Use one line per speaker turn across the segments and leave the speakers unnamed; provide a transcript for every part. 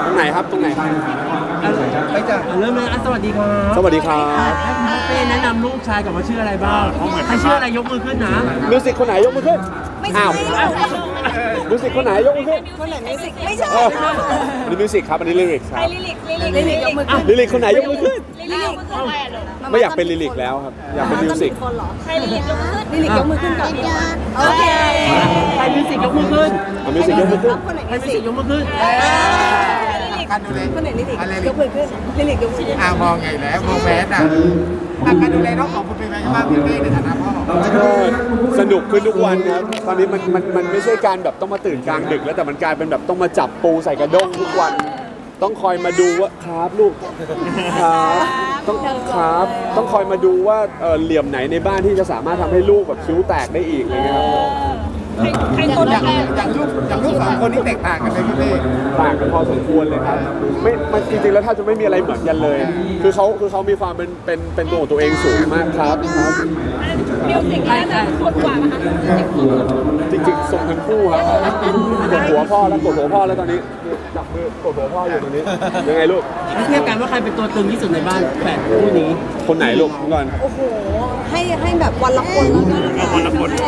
รงไหนครับตรงไหนครับ
ไปจ้ะเริ่มเลยสวัสดีครับ
สวัสดีครับ
ให้เป้แนะนำลูกชายกับว่าชื่ออะไรบ้างใครชื่ออะไรยกมือขึ้นนะ
มิวสิกคนไหนยกมือขึ้นอ้าวมิวสิกคนไหนยกมือขึ้น
คนไหนมิวสิกไม่ใช่
อันนี้มิวสิกครับอันนี้ลิริกครับ
ลิลิกยกมือขึ้น
ลิริกคนไหนยกมือขึ้น
ลิลิก
ไม่อยากเป็นลิริกแล้วครับอยากเป็นมิวสิก
ใครลิลิกยกมือขึ้นลิลิกยกมือขึ้นก่อนโอเค
ใครมิวสิกยกมือขึ้น
มิวสิกยกมือขึ้น
ใครมิวสิกยกมือขึ้น
การดูแลคนไหนลิลิกยกมือขึ้นลิลิกยกมือขึ้น
มองไงแล้วมองแมสการดูแลน้องของคุณเป็นไงบ้างพี่เป้ในฐานะพ่อ
ก็สนุกขึ้นทุกวันครับตอนนี้มันไม่ใช่การแบบต้องมาตื่นกลางดึกแล้วแต่มันกลายเป็นแบบต้องมาจับปูใส่กระด้งทุกวันต้องคอยมาดูว่าครับลูกครับต้องคอยมาดูว่าเหลี่ยมไหนในบ้านที่จะสามารถทำให้ลูกแบบคิ้วแตกได้อีกอะไรเงี้ยครับ
ใครตัวอย่างลูกสองคนนี้แตกต่างกันเลยพี่เป้
ต่างกันพอสมควรเลยครับไม่มันจริงๆแล้วถ้าจะไม่มีอะไรเหมือนกันเลยคือเขามีความเป็นตัวของตัวเองสูงมากครับ
มิวสิกน่าจะขวดกว่าไหมคะ
จริงๆส่งทั้งคู่ครับกดหัวพ่อแล้วกดหัวพ่อแล้วตอนนี้จับมือกดหัวพ่ออยู่ตรงนี้ยังไงลูก
เทียบกันว่าใครเป็นตัวตึงที่สุดในบ้านแฝดคู่นี้
คนไหนลูกก่อน
โอ้โหให้แบบวันละคนแล้วก็วันละคน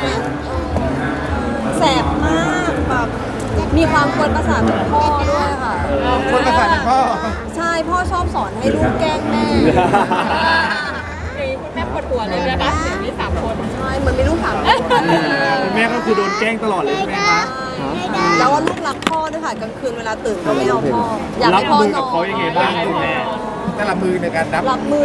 แสบมากแบบมีความกวนประสาทของพ่อด้วยค่ะ
กวนประสาทของพ่อ
ใช่พ่อชอบสอนให้ลูกแกล้งแม่คุณแม่ปวดหัวเลยนะคะมี3 คนใช่เหมือนมีลูก3 คน
แม่ก็คือโดนแกล้งตลอดเลยใช่ไหมคะ
แล้วว่าลูกรักพ่อด้วยค่ะกลางคืนเวลาตื่นก็ไม่เอาพ่ออยากให้พ่อนอน
กับเขายังไงบ้างคุณแม่แต่ละมือในการ
รับมือ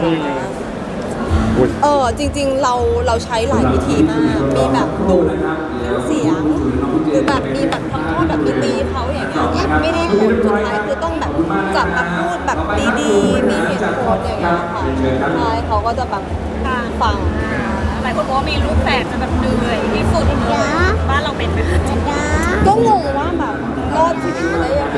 จริงๆเราใช้หลายวิธีมากมีแบบดุเสียงหรือแบบมีแบบทำโทษแบบมีตีเขาอย่างเงี้ยไม่ได้ผลสุดท้ายคือต้องแบบจับมาพูดแบบดีๆมีเหตุผลอย่างเงี้ยค่ะใช่เขาก็จะแบบฟังหลายคนบอกว่ามีลูกแฝดจะแบบเหนื่อยที่สุดบ้านเราเป็นไหมก็งงว่าแบบรอดชีวิตมาได้ยังไง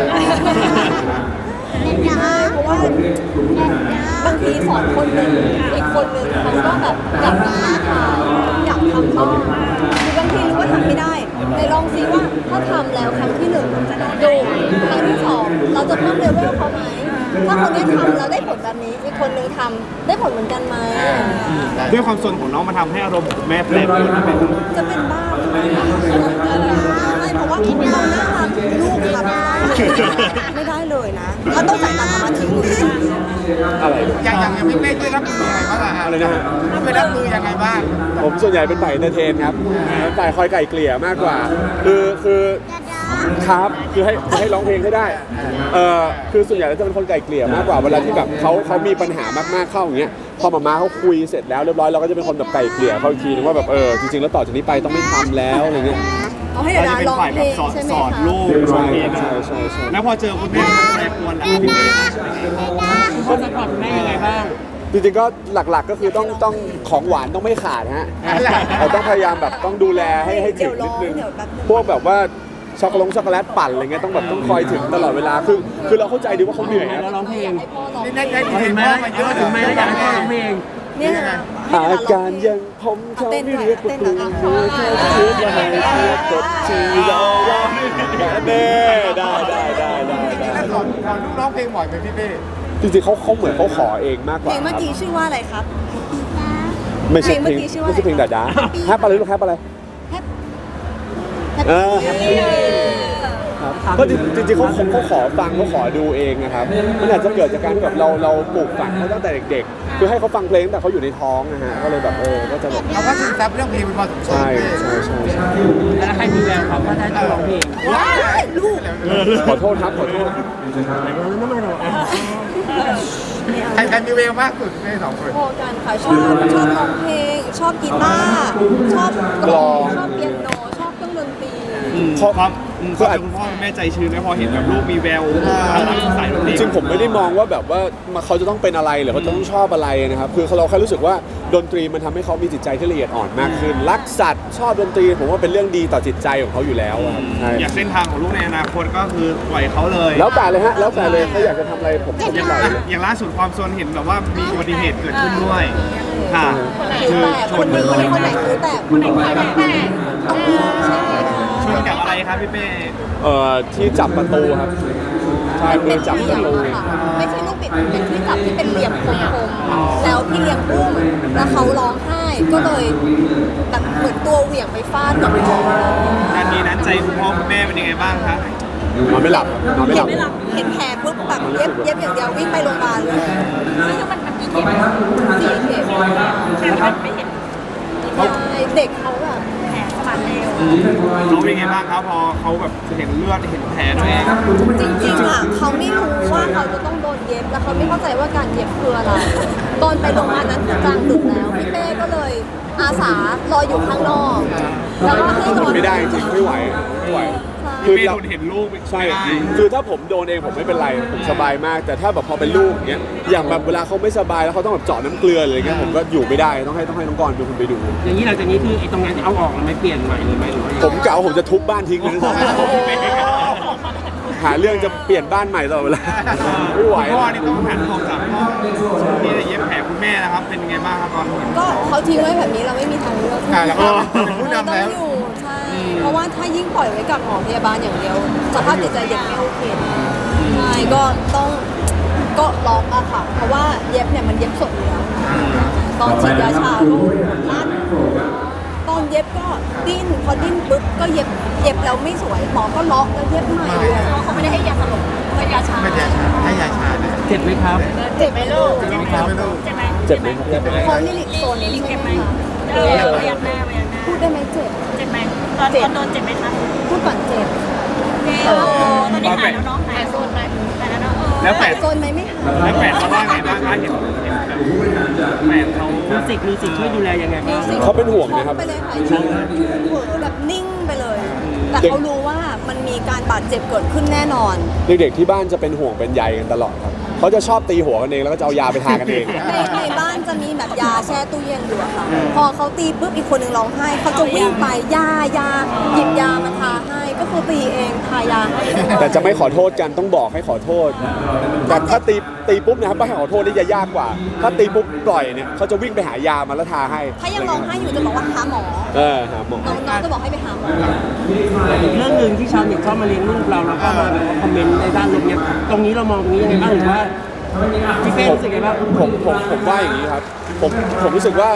เพราะว่าบางทีสอนคนหนึ่งอีกคนหนึ่งเขาก็แบบอยากท้าทายอยากทำบ้างคือบางทีรู้ว่าทำไม่ได้ในลองซิว่าถ้าทำแล้วครั้งที่ 1จะดูครั้งที่ 2เราจะเพิ่มเลเวลเขาไหมถ้าคนนี้ทำแล้วได้ผลแบบนี้อีกคนนึงทำได้ผลเหมือนกันไหม
ด้วยความสนของน้องมาทำให้อารมณ์แม่แปรปรวน
จะเป็นบ้าใช่เพราะว่าเราน่ารักลูกทำไม่ได้เลยนะถ้าต้องจ่ายตังค์มาทิ้งเลย
อะไร
อย่างพี่เป้ช่วยรับมือยังไงบ้าง
อะไรนะฮะ
ช่วยรับมือยังไงบ้าง
ผมส่วนใหญ่เป็นฝ่ายเอนเตอร์เทนครับฝ่ายคอยไก่เกลี่ยมากกว่าคือครับคือให้ร้องเพลงให้ได้คือส่วนใหญ่แล้วจะเป็นคนไก่เกลี่ยมากกว่าเวลาที่แบบเขามีปัญหามากๆเข้าอย่างเงี้ยพอมาเขาคุยเสร็จแล้วเรียบร้อยเราก็จะเป็นคนแบบไก่เกลี่ยเขาอีกทีนึงว่าแบบจริงๆแล้วต่อจากนี้ไปต้องไม่ทำแล้วอะไรเงี้ย
เอาให้เดี๋ยวร้องเพลงใช่ไหมคะสอนลูก
ใช่
แล้วพอเจอคุณแม่แปรปรวนแล้วพี่เป้
ก็จะปรับแม่ยังไงบ้าง
จริงๆก็หลักๆก็คือต้องของหวานต้องไม่ขาดฮะเราต้องพยายามแบบต้องดูแลให้ถึงนิดนึงพวกแบบว่าช็อกโกแลตปั่นอะไรเงี้ยต้องคอยถึงตลอดเวลาคือเราเข้าใจดีว่าเขาเหนื่อย
แล้วร้องเพลง
ได้
เห็นไหมถึงไหมอยากให้พ่อร้องเพลง
เนี่ย
อาการยังผมเขาไม่เรียกว่าตัวเธอแค่คิดว่าให้เทียบกับที่เราร้องแน่ได้
แล้วสอนลูกร้องเพลงบ่อยไหมพี่เป้
จริงๆเขาเหมือนเขาขอเองมากกว่า
เพลงเมื่อกี้ชื่อว่าอะไรครับ
ไม่ใช่เพลงดาแฮปอะไรลูกแฮปอะไรก็จริงๆเขาขอฟังเขาขอดูเองนะครับมันอาจจะเกิดจากการที่แบบเราปลูกฝังเขาตั้งแต่เด็กๆคือให้เขาฟังเพลงแต่เขาอยู่ในท้องนะฮะก็เลยแบบก็จะแบบ
เขาก็ซึมซับเรื่องเพลงเป็นพอสมควร
ใช่
แล้วใครมีแววครับว่าได้ร้องเพลง
ลูก
ขอโทษครับขอโทษ
ใครมีแววมากสุดใน2 คน
พอกันค่ะชอบร้องเพลงชอบกีตาร์ชอบกลองชอบเปียโนชอบเครื่องดนตรี
ครับคือคุณพ่อแม่ใจชื้นไหมพอเห็นแบบลูกมีแววสายดนตรี
จริงผมไม่ได้มองว่าแบบว่าเขาจะต้องเป็นอะไรหรือเขาจะต้องชอบอะไรนะครับคือเราแค่รู้สึกว่าดนตรีมันทำให้เขามีจิตใจที่ละเอียดอ่อนมากขึ้นรักสัตว์ชอบดนตรีผมว่าเป็นเรื่องดีต่อจิตใจของเขาอยู่แล้ว
อยากเส้นทางของลูกในอนาคตก็คือปล่อยเขาเลย
แล้วแต่เลยฮะแล้วแต่เลยเขาอยากจะทำอะไรผมปล่อย
อย่างล่าสุดความโซนเห็นแบบว่ามีอุบัติเหตุเกิดขึ้นด้วยค่ะ
คือคนไหนคือแต่คนไหน
ชนกับอะไรครับพี่เป้
ที่จับประตูครับใช่
เป็น
จับ
เหลี่ยม
ลูก
อะค่ะไม่ใช่ลูกบิดเป็นที่จับที่เป็นเหลี่ยมคมๆแล้วพี่เลี้ยงอุ้มแล้วเขาร้องไห้ก็เลยแบบเหมือนตัวเหวี่ยงไปฟาดกับคอ
นาทีนั้นใจคุณพ่อคุณแม่เป็นยังไงบ้างคะ
นอนไม่หลับนอนไม่หลับ
เห็นแผลปุ๊บแบบเย็บอย่างเดียววิ่งไปโรงพยาบาลเลยซึ่งมันกี่เข็ม4 เข็มแต่มันไม่เห็นเด็กเขาแบบแผลสมานเร็ว
เขาเป็นยังไงบ้างครับพอเขาแบบเห็นเลือดเห็นแผลตัวเอง
จริงๆอ่ะเขาไม่รู้ว่าเขาจะต้องโดนเย็บแล้วเขาไม่เข้าใจว่าการเย็บคืออะไรตอนไปโรงพยาบาลนั้นคือกลางดึกแล้วพี่เป้ก็เลยอาสารออยู่ข้างนอกแล้วก็ให้นอน
ไม่ได้จริงไม่ไหวไม่ไหว
พี่เป้โดนเห็นลูก
ใช่
ไม่ได้
คือถ้าผมโดนเองผมไม่เป็นไรผมสบายมาก แต่ถ้าแบบพอเป็นลูกอย่างเงี้ยอย่างแบบเวลาเขาไม่สบายแล้วเขาต้องแบบเจาะน้ำเกลืออะไรเงี้ยผมก็อยู่ไม่ได้ต้องให้น้องกรเป็นคนไปดู
อย่างนี้หลังจากนี้คือไอ้ตรงนั้นจะเอาออกแล้วไม่เปลี่ยนใหม่หรือไม่หรือว่า
ผมกะว่าผมจะทุบบ้านทิ้งเลยนะหาเรื่องจะเปลี่ยนบ้านใหม่ตลอดเวลาไม่ไหว
พ่อนี่ต้องหันออกจากห้องที่จะเย็บแผลคุณแม่นะครับเป็นยังไงบ้างครับตอนนี้
ก็เขาทิ้งไว้แบบนี้เราไม่มีทางเลือก
แล้วก็เป็นผู้
เรา
นำ
ต้อ
แล้
ง
ว
อยู่ใช่เพราะว่าถ้ายิ่งปล่อยไว้กับหมอพยาบาลอย่างเดียวสภาพจิตใจเด็กไม่โอเคใช่ก็ต้องก็ล็อกอะค่ะ เพราะว่าเย็บเนี่ยมันเย็บสดอยู่แล้วตอนฉีดยาชาก็ลั่นตอนเย็บก็ดิ้นพอดิ้นปุ๊บก็เย็บแล้วไม่สวยหมอก็ล็อกแล้วเย็บใหม่เขาไม่ได้ให้ยาสลบให้ยาชา
ให้ยาชาเนี่ย
เจ็บไหมครับ
เจ็บไหมลูก
เจ็บไหมครับ
เจ็บไหม
เจ็บไหมครับ
เขาลิลิกโซนลิลิกเจ็บไหมพยักหน้าพูดได้ไหมเจ็บ
เจ็บไหมตอนโดนเจ็บไหมคะ
พูดก่อนเจ็บ
ตอนนี้หายแล้วเนาะหายโซนไหมหายแล้วเนาะ
แล้วแฝด
โซนไหมไม่หาย
แล้วแฝดเขาว่าไงบ้างคะเห็นแบบแฝดเขา
มิวสิกช่วยดูแลยังไงบ้าง
เขาเป็นห่วงนะครับ
ไปเลยค่ะช็อกเหวอแบบนิ่งไปเลย แต่เขารู้ว่ามันมีการบาดเจ็บเกิดขึ้นแน่นอน
เด็กๆที่บ้านจะเป็นห่วงเป็นใยกันตลอดครับเขาจะชอบตีหัวกันเองแล้วก็จะเอายาไปทากันเอง
ในบ้านจะมีแบบยาแช่ตู้เย็นอยู่อะค่ะ พอเขาตีปุ๊บอีกคนหนึ่งร้องไห้เขาจะวิ่งไปยาหยิบยามาทาให้ก็คือตีเองทายาให้
แต่จะไม่ขอโทษกันต้องบอกให้ขอโทษ แต่ถ้าตีปุ๊บนะครับไม่ให้ขอโทษนี่จะยากกว่า ถ้าตีปุ๊บปล่อยเนี่ยเขาจะวิ่งไปหายามาแล้วทาให้
ถ้ายังร้องไห้อยู่จะบอกว่าหาหมอ
หาหมอ
น้องจะบอกให้ไปหาหมอ
อีกเรื่องหนึ่งที่ชาวเน็ตชอบมาเลี้ยงลูกเราแล้วก็มาแบบว่าคอมเมนต์ในด้านลบเนี่ยตรงนี้เรามองตรงนี้ยังไงบ้างหรือว่าพี่เป้รู้สึกไงบ้าง
ผมว่าอย่างนี้ครับผมรู้สึกว่า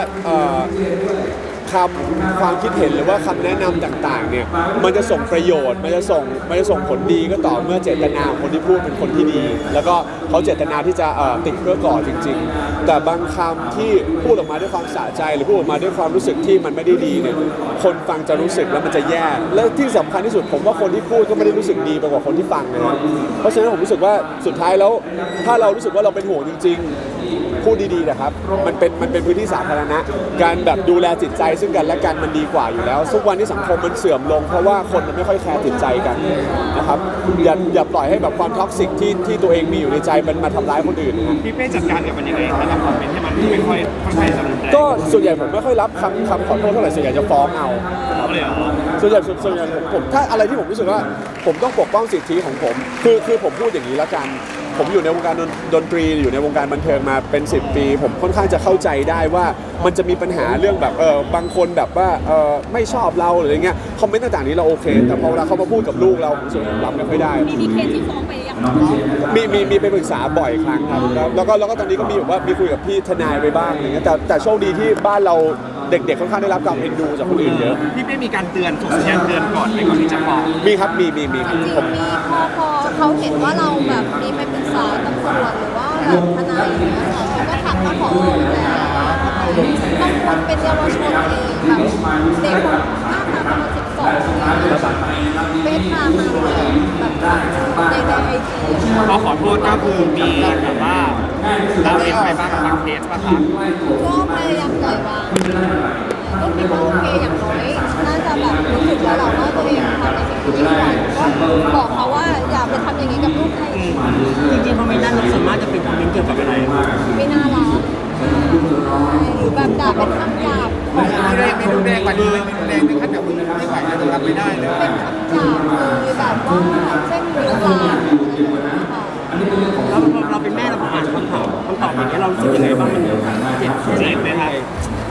ความคิดเห็นหรือว่าคำแนะนำต่างๆเนี่ยมันจะส่งประโยชน์มันจะส่งผลดีก็ต่อเมื่อเจตนาของคนที่พูดเป็นคนที่ดี แล้วก็เขาเจตนาที่จะติดเพื่อก่อจริง ๆ แต่บางคำที่พูดออกมาด้วยความสะใจหรือพูดออกมาด้วยความรู้สึกที่มันไม่ได้ดีเนี่ยคนฟังจะรู้สึกแล้วมันจะแย่และที่สำคัญที่สุดผมว่าคนที่พูดก็ไม่ได้รู้สึกดีไปกว่าคนที่ฟังนะครับเพราะฉะนั้นผมรู้สึกว่าสุดท้ายแล้วถ้าเรารู้สึกว่าเราเป็นห่วงจริง ๆ พูดดีๆนะครับมันเป็นพื้นที่สาธารณะการแบบดูแลจิตใจซึ่งกันและกันมันดีกว่าอยู่แล้วทุกวันที่สังคมมันเสื่อมลงเพราะว่าคนมันไม่ค่อยแคร์จิตใจกันนะครับอย่าปล่อยให้แบบความท็อกซิกที่ตัวเองมีอยู่ในใจมันมาทำร้ายคนอื่นนะ
พี่เป้จัดการกับมันยังไงคะกับคอมเมนต์ที่มันไม่ค่อยจะรุนแรง
ก็ส่วนใหญ่ผมไม่ค่อยรับคำขอโทษเท่าไหร่ส่วนใหญ่จะฟ้องเอาครับ
เลยเหรอ
ส่วนใหญ่ผมถ้าอะไรที่ผมรู้สึกว่าผมต้องปกป้องสิทธิของผมคือผมพูดอย่างนี้ละกันผมอยู่ในวงการดนตรีอยู่ในวงการบันเทิงมาเป็น10 ปีผมค่อนข้างจะเข้าใจได้ว่ามันจะมีปัญหาเรื่องแบบบางคนแบบว่าไม่ชอบเราหรืออะไรเงี้ยคอมเมนต์ต่างๆนี้เราโอเคแต่พอเวลาเขามาพูดกับลูกเราผมรู้สึกผมรับไม่ค่อยได้
มีเคสที่ฟ้องไปยัง
มีไปปรึกษาบ่อยครั้งครับแล้วก็ตอนนี้ก็มีแบบว่ามีคุยกับพี่ทนายไปบ้างอะไรเงี้ยแต่โชคดีที่บ้านเราเด็กๆค่อนข้างได้รับการเอ็นดูจากคนอื่นเยอะ
พี่เป้มีการเตือนส่งสัญญาณเตือนก่อนที่จะฟ้อง
มีครับมี
จริง
ผม
มีพอเขาเห็นว่าเราแบบมีไปปรึกษาตำรวจหรือว่าแบบทนายอย่างเงี้ยค่ะเขาก็ทักมาขอดูแลบางคนเป็นเยาวชนเองแบบเด็กหน้าตาประมาณ12เฟซไทม์มาแบบในไอจี
พอขอโทษก็คือมีแบบว่าละเว้นไปบ้างบางเคสป่ะคะ
ก็พยายามปล่อยวางก็คิดว่าโอเคอย่างน้อยน่าจะแบบรู้สึกแล้วแหละว่าตัวเองทำในสิ่งที่ไม่ควรก็บอกเขาว่าอย่าไปทำอย่างนี้กับลูกใครอีก
จริงๆคอมเมนต์ด้านลบส่วนมากจะเป็นคอมเมนต์เกี่ยวกับอะไร
ไม่น่ารักหรือแบบด่าเป็นคำหยาบของเรา
ไม่ดูแรงกว่านี้เลยไม่ดูแรงถึงขั้นแบบมึงไม่ไหวแล้วรับไม่ได้เลย
เป็นคำหยาบเลยแบบว่าเช่นลุกลามอะไรอย่างเงี้ยค่ะ
แล้วเราเป็นแม่เราอ่านคำตอบอย่างเงี้ยเรารู้สึกยังไงบ้างมันเจ็บ
เจ็บไหมครับ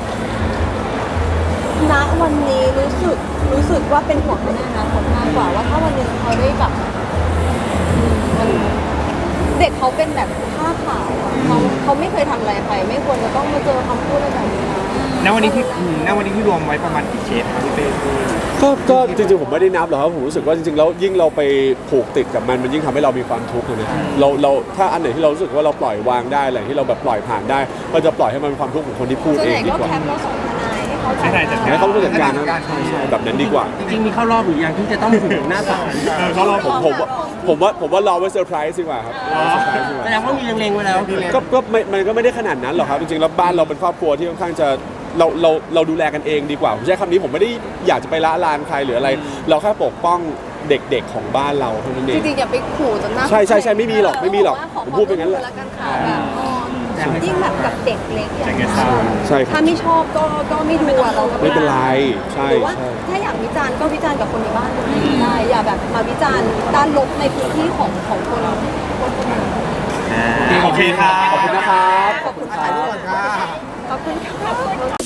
ณวันนี้รู้สึกว่าเป็นห่วงในอนาคตมากกว่าว่าถ้าวันหนึงเขาได้กลับมันเด็กเขาเป็นแบบผ้าขาวเขาไม่เคยทำอะไรใครไม่ควรจะต้องมาเจอคำพูดอะไรแบบนี้นะ
ณวันนี้ที่รวมไว้ประมาณกี่เคสครับพี่เป้
ก็จริงๆผมไม่ได้นับหรอกครับผมรู้สึกว่าจริงๆแล้วยิ่งเราไปผูกติดกับมันยิ่งทำให้เรามีความทุกข์นะเราถ้าอันไหนที่เรารู้สึกว่าเราปล่อยวางได้อะไรที่เราแบบปล่อยผ่านได้ก็จะปล่อยให้มันเป็นความทุกข์ของคนที่พูด
ส่วน
เอ
ให
ง
ญ่
ดี
ก็
กว่า
แคปแล้วส่งทนายให้เขาจัด
ให้เขาจัดการนะใช่แบบนั้นดีกว่า
จริงๆมีเข้ารอบหรือยังที่จะต้องถึงหน้าศาล
เขารอผมว่ารอไว้เซอร์ไพรส์ดีกว่าครับรอเซอร์ไพรส์ดีกว่า
แสดงว่ามีเล็งๆไว้แล้ว
ก็มันก็ไม่ได้ขนาดนั้นหรอกครับจริงๆแล้วบ้านเราเป็นครอบครัวที่ค่อนข้างจะเราดูแลกันเองดีกว่าผมใช้คำนี้ผมไม่ได้อยากจะไปละลานใครหรืออะไร เราแค่ปกป้องเด็กๆของบ้านเราเท่านั้นเอ
จ
ง
ริงๆอย่าไปขู่จนหน้า
ใช่ไม่มีหรอกผมพูดไปงั้นแหละ
แล้วกันค่ะแบบยิ่งแบบกับเด็กเล็กอย่างเงี้ย
ใช่ครั
ถ้า
บ
ไม่ชอบก็ไม่ดูอะเราก็
ไม่เป็นไรใช่
หรือว่า
ใช่
ถ้าอยากวิจารณ์ก็วิจารณ์กับคนในบ้านได้อย่าแบบมาวิจารณ์ด้านลบในพื้นที่ของคนนั้น
โอเคครับ
ขอบคุณนะครับ
ขอบคุณค่ะขอบคุณค่ะ